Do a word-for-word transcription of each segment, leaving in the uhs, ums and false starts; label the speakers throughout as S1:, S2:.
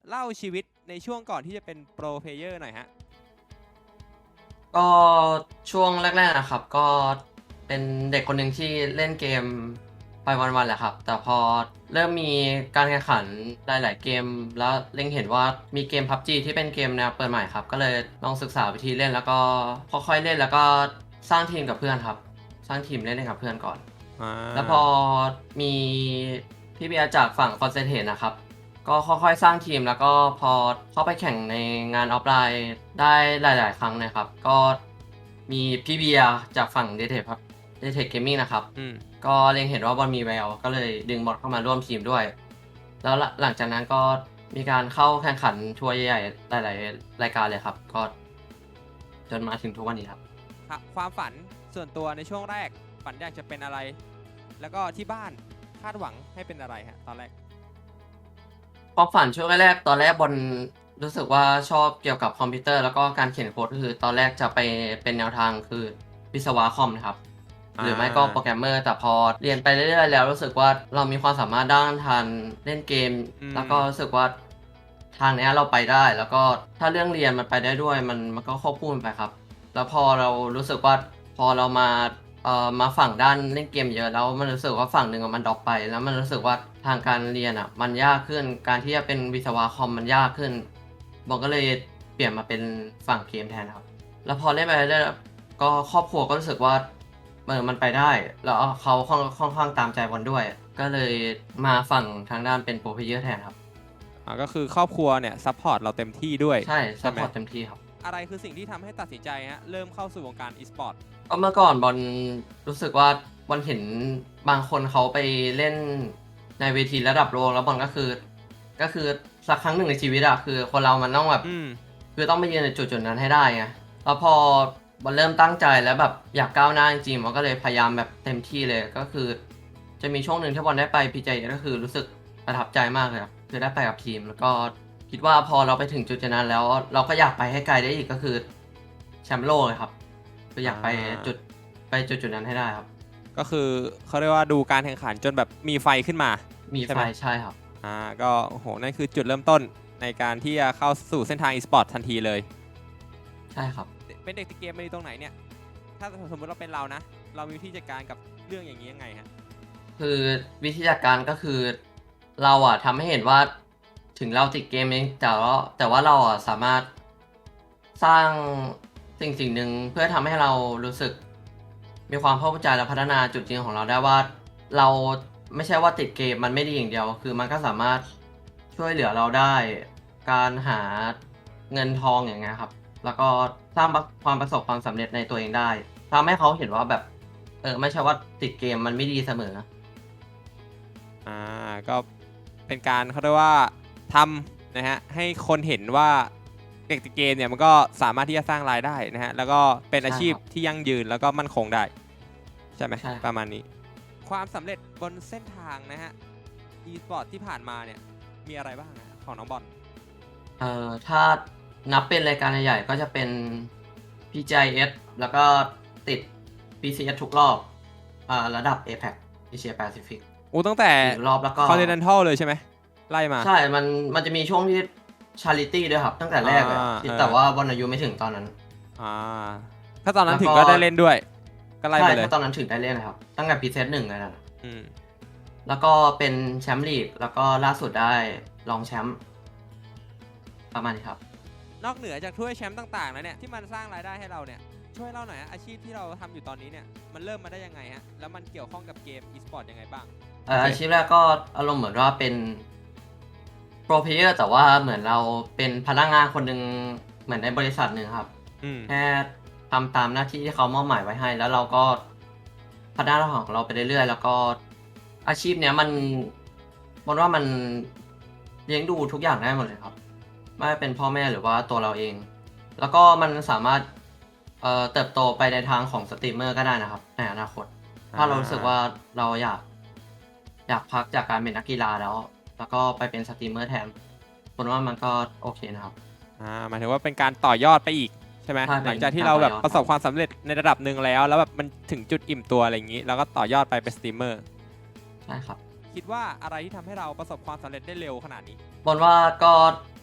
S1: เล่าชีวิตในช่วงก่อนที่จะเป็นโปรเพลเยอร์หน่อยฮะ
S2: ก็ช่วงแรกๆนะครับก็เป็นเด็กคนหนึ่งที่เล่นเกมไปวันๆแหละครับแต่พอเริ่มมีการแข่งขันหลายๆเกมแล้วเล็งเห็นว่ามีเกม พับจี ที่เป็นเกมแนวเปิดใหม่ครับก็เลยลองศึกษาวิธีเล่นแล้วก็ค่อยๆเล่นแล้วก็สร้างทีมกับเพื่อนครับสร้างทีมเล่นกับเพื่อนก่อน
S1: อ่
S2: แล้วพอ
S1: า
S2: มีพี่เบียร์จากฝั่งคอนเซนเทนนะครับ ก็ค่อยๆสร้างทีมแล้วก็พอเข้าไปแข่งในงานออฟไลน์ได้หลายๆครั้งนะครับก็มีพี่เบียร์จากฝั่งเดเทคครับเดเทคเกมมิ่งนะครับ
S1: อืม
S2: ก็เล็งเห็นว่าบอลมีแววก็เลยดึงบอลเข้ามาร่วมทีมด้วยแล้วหลังจากนั้นก็มีการเข้าแข่งขันทัวร์ใหญ่ๆหลายๆรายการเลยครับก็จนมาถึงทุกวันนี้ครับ
S1: ครับความฝันส่วนตัวในช่วงแรกฝันอยากจะเป็นอะไร แล้วก็ที่บ้านคาดหวังให้เป็นอะไรฮะตอนแรก
S2: ความฝันช่วงแรกๆตอนแรกบอลรู้สึกว่าชอบเกี่ยวกับคอมพิวเตอร์แล้วก็การเขียนโค้ดก็คือตอนแรกจะไปเป็นแนวทางคือวิศวะคอมนะครับ
S1: อ่
S2: หรือไม่ก็โปรแกร
S1: า
S2: มเมอร์แต่พอเรียนไปเรื่อยๆแล้วรู้สึกว่าเรามีความสามารถด้านทางเล่นเกม
S1: อืม
S2: แล้วก็รู้สึกว่าทางเนี้ยเราไปได้แล้วก็ถ้าเรื่องเรียนมันไปได้ด้วยมันมันก็ควบคู่กันไปครับแล้วพอเรารู้สึกว่าพอเรามาเอ่อมาฝั่งด้านเล่นเกมเยอะแล้วมันรู้สึกว่าฝั่งหนึ่งอะมันดรอปไปแล้วมันรู้สึกว่าทางการเรียนอ่ะมันยากขึ้นการที่จะเป็นวิศวะคอมมันยากขึ้นผมก็เลยเปลี่ยนมาเป็นฝั่งเกมแทนครับแล้วพอเล่นไปเรื่อยๆก็ครอบครัวก็รู้สึกว่า เออมันไปได้แล้วเขาค่อนค่อนข้างตามใจบอลด้วยก็เลยมาฝั่งทางด้านเป็นโปรเพลเยอร์แทนครับ
S1: อ่าก็คือครอบครัวเนี่ยซัพพอร์ตเราเต็มที่ด้วย
S2: ใช่ซั
S1: ใช่ไหม
S2: พพอร์ตเต็มที่ครับ
S1: อะไรคือสิ่งที่ทำให้ตัดสินใจฮะเริ่มเข้าสู่วงการอีสปอร์ต
S2: ก็เมื่อก่อนบอลรู้สึกว่าบอลเห็นบางคนเขาไปเล่นในเวทีระดับโลกแล้วบอลก็คือก็คือสักครั้งหนึ่งในชีวิตอะคือคนเรามันต้องแบบ
S1: อืม
S2: คือต้องไปยืนในจุดจุดนั้นให้ได้ไงแล้วพอบอลเริ่มตั้งใจแล้วแบบอยากก้าวหน้าจริงๆบอลก็เลยพยายามแบบเต็มที่เลยก็คือจะมีช่วงหนึ่งที่บอลได้ไปพีเจก็คือรู้สึกประทับใจมากเลยครับคือได้ไปกับทีมแล้วก็คิดว่าพอเราไปถึงจุดจุดนั้นแล้วเราก็อยากไปให้ไกลได้อีกก็คือแชมป์โลกเลยครับคืออยากไปจุด ไปจุดจุดนั้นให้ได้ครับ
S1: ก็คือเขาเรียกว่าดูการแข่งขันจนแบบมีไฟขึ้นมา
S2: มีไฟ
S1: ใช่ไหม
S2: ใช่ครับ
S1: อ่าก็โอ้โหนั่นคือจุดเริ่มต้นในการที่จะเข้าสู่เส้นทางอีสปอร์ตทันทีเลย
S2: ใช่ครับ
S1: เป็นเด็กติดเกมมาอยู่ตรงไหนเนี่ยถ้าสมมติเราเป็นเรานะเรามีวิธีจัดการกับเรื่องอย่างนี้ยังไงฮะ
S2: คือวิธีจัดการก็คือเราอะทำให้เห็นว่าถึงเราติดเกมเองแต่ว่าแต่ว่าเราอะสามารถสร้างสิ่งสิ่งหนึ่งเพื่อทำให้เรารู้สึกมีความเข้าใจและพัฒนาจุดยืนของเราได้ว่าเราไม่ใช่ว่าติดเกมมันไม่ดีอย่างเดียวคือมันก็สามารถช่วยเหลือเราได้การหาเงินทองอย่างเงี้ยครับแล้วก็สร้างความประสบความสำเร็จในตัวเองได้ทำให้เขาเห็นว่าแบบเออไม่ใช่ว่าติดเกมมันไม่ดีเสมอ
S1: อ่าก็เป็นการเขาเรียกว่าทำนะฮะให้คนเห็นว่าเด็กติดเกมเนี่ยมันก็สามารถที่จะสร้างรายได้นะฮะแล้วก็เป็นอาชีพ
S2: ใช่ครับ
S1: ที่ยั่งยืนแล้วก็มั่นคงได้ใช่ไหม
S2: ใช่ครับ
S1: ประมาณนี้ความสำเร็จบนเส้นทางนะฮะ e-sport ที่ผ่านมาเนี่ยมีอะไรบ้างนะของน้องบอล
S2: เอ่อถ้านับเป็นรายการใหญ่ๆก็จะเป็น พี จี ไอ เอส แล้วก็ติด พี ซี เอส ทุกรอบอ่าระดับ เอ พี อี ซี Asia Pacific
S1: อู้ตั้งแต่
S2: อีกรอบแล้วก็
S1: Continental เลยใช่ไหมไล่มา
S2: ใช่มันมันจะมีช่วงที่ Charity ด้วยครับตั้งแต่แรกเลยอะ
S1: อ่า
S2: ที่
S1: เออ
S2: แต่ว่าบอลอายุไม่ถึงตอนนั้น
S1: อ่าถ้าตอนนั้น
S2: แล้วก็
S1: ถึงก็ได้เล่นด้วยก็ไล่
S2: ใช่
S1: ไปเลย
S2: ถ้าตอนนั้นถึงได้เล่นนะครับตั้งแต่ พี ซี เอส หนึ่งเลยนะ
S1: อืม
S2: แล้วก็เป็นแชมป์ลีกแล้วก็ล่าสุดได้รองแชมป์ประมาณนี้ครับ
S1: นอกเหนือจากถ้วยแชมป์ต่างๆแล้วเนี่ยที่มันสร้างรายได้ให้เราเนี่ยช่วยเล่าหน่อยฮะอาชีพที่เราทำอยู่ตอนนี้เนี่ยมันเริ่มมาได้ยังไงฮะแล้วมันเกี่ยวข้องกับเกม e-sport ยังไงบ้าง
S2: เอ่ออาชีพแรกก็อารมณ์เหมือนว่าเป็นโปรเพลเยอร์แต่ว่าเหมือนเราเป็นพนักงานคนหนึ่งเหมือนในบริษัทหนึ่งครับ
S1: อืม
S2: แค่ทำตามหน้าที่ที่เขามอบหมายไว้ให้แล้วเราก็พัฒนาของเราไปเรื่อยๆแล้วก็อาชีพเนี้ยมันบนว่ามันเลี้ยงดูทุกอย่างได้หมดเลยครับไม่ว่าเป็นพ่อแม่หรือว่าตัวเราเอง แล้วก็มันสามารถเอ่อเติบโตไปในทางของสตรีมเมอร์ก็ได้นะครับในอนาคตถ้าเรารู้สึกว่าเราอยากอยากพักจากการเป็นนักกีฬาแล้ว แล้วก็ไปเป็นสตรีมเมอร์แทนผมว่ามันก็โอเคนะครับ
S1: อ่าหมายถึงว่าเป็นการต่อยอดไปอีกใช่ไหม
S2: ใช่เป็น
S1: หลังจากที่
S2: การ
S1: เรา
S2: ต่อยอดครับ
S1: แบบประสบความสำเร็จในระดับหนึ่งแล้วแล้วแบบมันถึงจุดอิ่มตัวอะไรอย่างนี้แล้วก็ต่อยอดไปเป็นสตรีมเมอร์
S2: ใช่ครับ
S1: คิดว่าอะไรที่ทำให้เราประสบความสำเร็จได้เร็วขนาดนี้
S2: บนว่าก็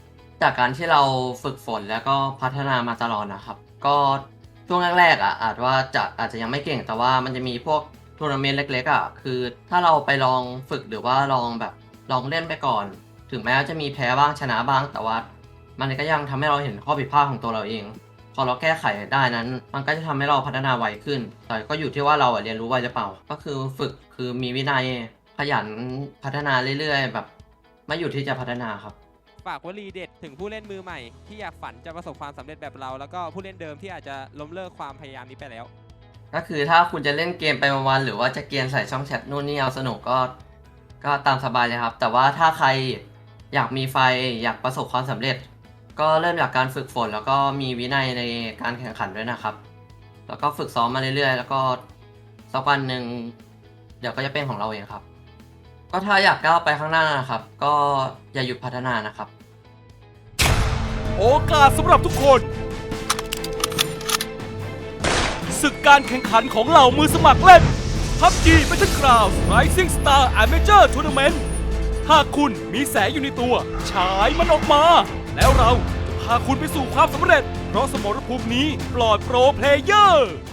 S2: จากการที่เราฝึกฝนแล้วก็พัฒนามาตลอดนะครับ ก็ช่วงแรกๆอ่ะอาจว่าจะอาจจะยังไม่เก่งแต่ว่ามันจะมีพวกทัวร์นาเมนต์เล็กๆอ่ะคือถ้าเราไปลองฝึกหรือว่าลองแบบลองเล่นไปก่อน ถึงแม้จะมีแพ้บ้างชนะบ้าง แต่ว่ามันก็ยังทำให้เราเห็นข้อผิดพลาดของตัวเราเอง พอเราแก้ไขได้นั้น มันก็จะทำให้เราพัฒนาไวขึ้น แต่ก็อยู่ที่ว่าเราอะเรียนรู้ไวหรือเปล่า ก็คือฝึกคือมีวินัยขยันพัฒนาเรื่อยๆ แบบไม่หยุดที่จะพัฒนาครับ
S1: ฝากวลีเด็ดถึงผู้เล่นมือใหม่ที่อยากฝันจะประสบความสำเร็จแบบเรา แล้วก็ผู้เล่นเดิมที่อาจจะล้มเลิกความพยายามนี้ไปแล้ว
S2: ก็คือถ้าคุณจะเล่นเกมไปวันๆหรือว่าจะเกมใส่ช่องแชทนู่นนี่เอาสนุกก็ก็ตามสบายเลยครับ แต่ว่าถ้าใครอยากมีไฟอยากประสบความสำเร็จ ก็เริ่มจากการฝึกฝนแล้วก็มีวินัยในการแข่งขันด้วยนะครับ แล้วก็ฝึกซ้อมมาเรื่อยๆ แล้วก็สักวันหนึ่งเดี๋ยวก็จะเป็นของเราเองครับ ก็ถ้าอยากก้าวไปข้างหน้านะครับ ก็อย่าหยุดพัฒนานะครับ
S3: โอกาสสำหรับทุกคนศึกการแข่งขันของเหล่ามือสมัครเล่น พับจี Battlegrounds Rising Star Amateur Tournament หากคุณมีแสงอยู่ในตัวฉายมันออกมา แล้วเราจะพาคุณไปสู่ความสำเร็จ เพราะสมรภูมินี้ปลอดโปรเพลเยอร์